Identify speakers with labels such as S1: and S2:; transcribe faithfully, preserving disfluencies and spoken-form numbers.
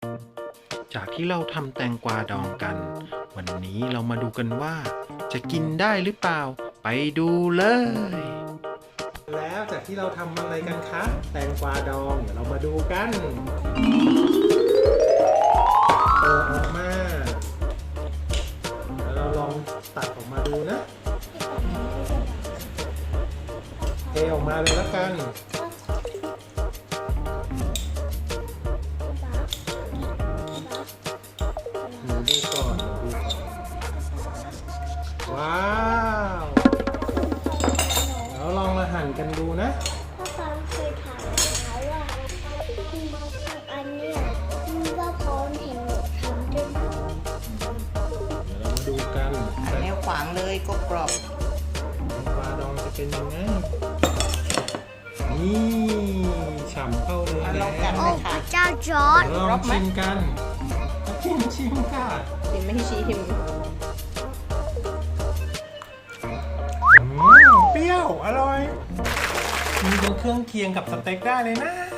S1: จากที่เราทำแตงกวาดองกัน วันนี้เรามาดูกันว่า จะกินได้หรือเปล่า ไปดูเลย แล้วจากที่เราทำอะไรกันคะแตงกวาดองเดี๋ยวเรามาดูกันเปิดออกมาแล้วเราลองตัดออกมาดูนะเทออกมาเลยแล้วกันดูดูก่อนดูก่อนว้าวแล้วลองมาหั่นกันดูนะ
S2: พ่อฟังเคยถามเขาว่าอันเนี้ยว่าพร้อมเห็นหนูทำด้วยนะ
S1: เดี๋ยวเรามาดูกัน
S3: แนวขวางเลยกรอบ
S1: แตงกวาดองจะเป็นยังไงนี่ฉ่ำเข้าเลย
S3: ๆ
S1: แล้ว
S3: ลองกัน
S2: โอ้
S3: เลย
S2: พ
S3: ค่ะ
S2: ระเจ้าจอร์ด
S1: เดี๋ยวลองชิมกันชิมชิมค่ะ
S3: ชิมไม่ให้ชิม
S1: อืมเปรี้ยวอร่อยมีเป็นเครื่องเคียงกับสเต็กได้เลยนะ